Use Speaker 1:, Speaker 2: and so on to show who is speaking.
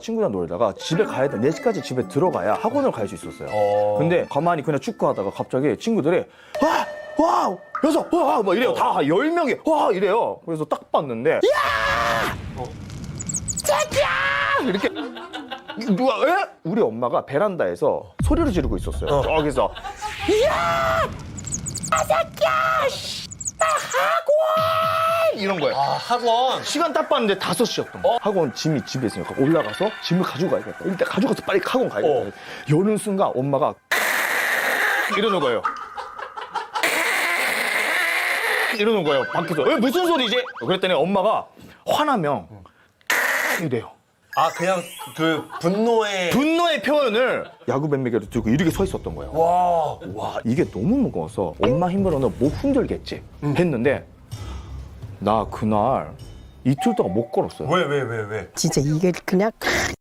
Speaker 1: 친구랑 놀다가 집에 가야 돼. 4시까지 집에 들어가야 학원을 갈 수 있었어요. 근데 가만히 그냥 축구하다가 갑자기 친구들이 와! 여섯! 와! 막 이래요. 다 10명이 와! 이래요. 그래서 딱 봤는데 야! 새끼야! 이렇게 누가 에? 우리 엄마가 베란다에서 소리를 지르고 있었어요. 저기서 야! 새끼야! 나 학원! 이런 거예요.
Speaker 2: 아, 학원.
Speaker 1: 시간 딱 봤는데 5시였던 거야. 학원 짐이 집에 있으니까 올라가서 짐을 가지고 가야겠다. 일단 가져가서 빨리 학원 가야겠다. 여는 순간 엄마가 이러는 거예요. 이러는 거예요. 밖에서. 무슨 소리지? 그랬더니 엄마가 화나면 이래요.
Speaker 2: 아, 그냥 그 분노의.
Speaker 1: 분노의 표현을 야구 밴맥이를 들고 이렇게 서 있었던 거예요. 와, 이게 너무 무거워서 엄마 힘으로는 못 흔들겠지 했는데 나 그날 이틀 동안 못 걸었어요.
Speaker 2: 왜?
Speaker 3: 진짜 이게 그냥